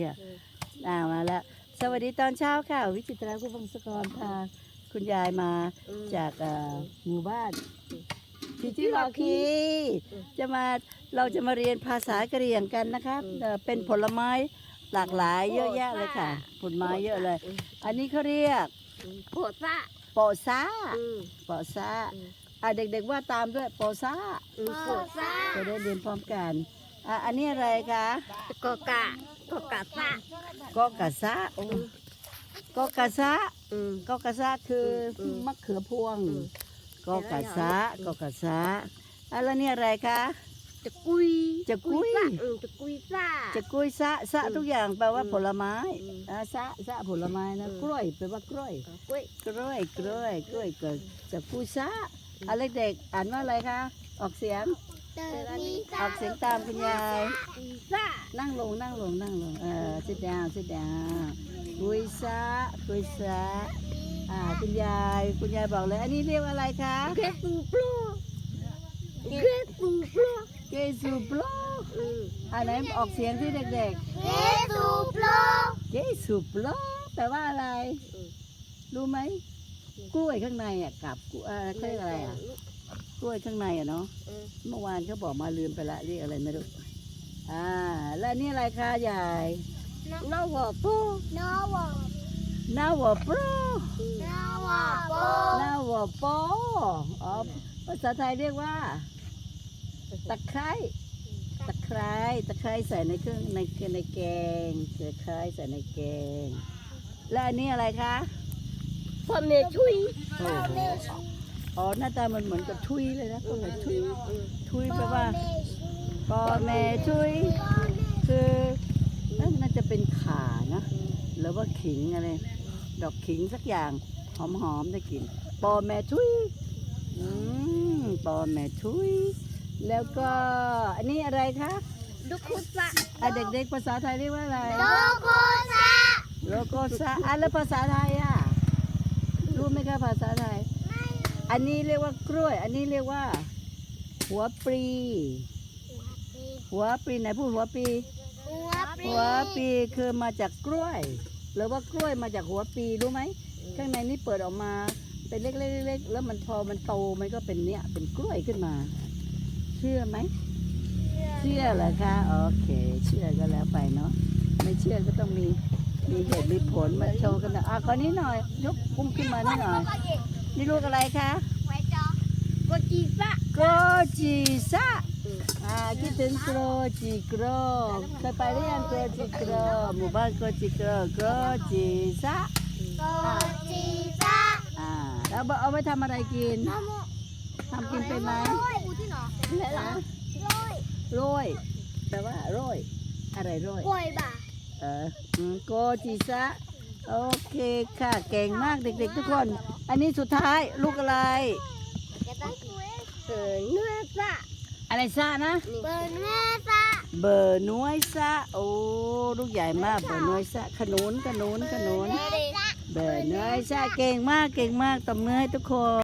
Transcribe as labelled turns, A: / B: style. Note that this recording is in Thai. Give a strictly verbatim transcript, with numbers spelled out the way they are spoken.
A: อ่ามาแล้วสวัสดีตอนเช้าค่ะวิจิตราคุณพงศกรพาคุณยายมาจากเอ่อหมู่บ้านชิจิลอคีจะมาเราจะมาเรียนภาษากะเหรี่ยงกันนะครับเอ่อเป็นผลไม้หลากหลายเยอะแยะเลยค่ะผลไม้เยอะเลย อันนี้เขาเรียก
B: โปะซะ
A: โปะซาโปะซาอ่ะเด็กๆว่าตามด้วยโปะซา
B: โปะซะ
A: จะได้เรียนพร้อมกันอ่ะอันนี้อะไรคะ
B: กะกะกะกะซะ
A: กอกะซาโอ้กอกะซา กอกะซาคือมะเขือพวงกอกะซากอกะซาอ่ะแล้วนี่อะไรคะ
B: จะกุย
A: จะกุย
B: เออจะกุยซะ
A: จะกุยซะซะทุกอย่างแปลว่าผลไม้
B: อืม
A: อ่ะซะซะผลไม้นะ
B: อืม
A: กล้วยแปลว่ากล้วย
B: กุย
A: กล้วยกล้วยกล้วยเกิดจะกุยซะอ่ะเด็กๆอ่านว่าอะไรคะออกเสียงออกเสียงตามคุณยาย
B: กุยซะ
A: นั่งลงนั่งลงนั่งลงเออ sit down sit down กุยซะกุยซะอ่าคุณยายคุณยายบอกเลย อันนี้เรียกว่าอะไรคะ
B: เกสูปลเกสูปล
A: เกซูโปร
B: อืม
A: อันไหนออกเสียงที่เด็ก
B: เกสูปล
A: ๆเกซูโปรแปลว่าอะไร รู้ไหมกล้วยข้างในอ่ะกับกล้วยเอ่อเขาเรียกอะไรอ่ะกล้วยข้างในอ่ะเนาะเมื่อวานเขาบอกมาลืมไปละเรียกอะไรไม่รู้อ่าแล้วนี่อะไรคะยาย
B: นาวะโปนาวะ
A: นาวโปร
B: นาวะโป
A: นาวโปอ๋อภาษาไทยเรียกว่าตะไคร้ตะไคร้ตะไคร้ใส่ในเครื่องในในแกงตะไคร้ใส่ในแกงแล้วอันนี้อะไรคะ
B: พ่อเมชุย
A: โอ้โหอ๋อหน้าตามันเหมือนกับทุยเลยนะก็เหมือนทุยทุยแปลว่าปอแม่ทุยคือเอ้ยน่าจะเป็นข่านะหรือว่าขิงอะไรดอกขิงสักอย่างหอมๆได้กลิ่นปอแม่ทุยอืมปอแม่ทุยแล้วก็อันนี้อะไรคะ
B: ดุคุซะ
A: อ่ะเด็กๆภาษาไทยเรียกว่าอะไร
B: โลโกซะ
A: โลโกซาอ่ะแล้วภาษาไทยอ่ะรู้ไหมคะภาษาไทย อันนี้เรียกว่ากล้วย อันนี้เรียกว่า หัวปลี หัวปลีไหนพูดหัวปลี
B: หัวปลี
A: หัวปลีคือมาจากกล้วย หรือว่ากล้วยมาจากหัวปลีรู้ไหม ข้างในนี่เปิดออกมาเป็นเล็กๆๆแล้วมันพอมันโตมันก็เป็นเนี้ยเป็นกล้วยขึ้นมา เชื่อไหม เชื่อเหรอคะ โอเค เชื่อก็แล้วไปเนาะ ไม่เชื่อก็ต้องมีมีเหตุมีผลมาโชว์กันนะอ่ะขอนี้หน่อย ยกปุ้มขึ้นมานิดหน่อย นี่ลูกอะไรคะ
B: ไว้จอโกจีซะ
A: โกจิซะอ่าคิดถึงโกจิโกรเคยไปหรือยังโกจิโกรหมู่บ้านโกจิโกรโกจิซะ
B: โกจีซะ
A: อ่าแล้วเอาไว้ทำอะไรกินทำกินเป็นไหม
B: กูที่หนอ
A: ฮะ
B: ร้อย
A: โรยแปลว่าโรยอะไรโรย
B: กล้วยบ่า
A: เอออืมโกจิซะโอเคค่ะเก่งมากเด็กๆทุกคน อันนี้สุดท้ายลูกอะไร
B: แกตั้งกล้วยเออเนื้อซะ
A: อะไรซะนะ
B: เบอร์เนื้อซะ
A: เบอร์น้อยซะโอ้ลูกใหญ่มากเบอร์น้อยซะขนุนขนุนขนุน
B: เนื้อซะ
A: เบอร์น้อยซะเก่งมากเก่งมากตบมือให้ทุกคน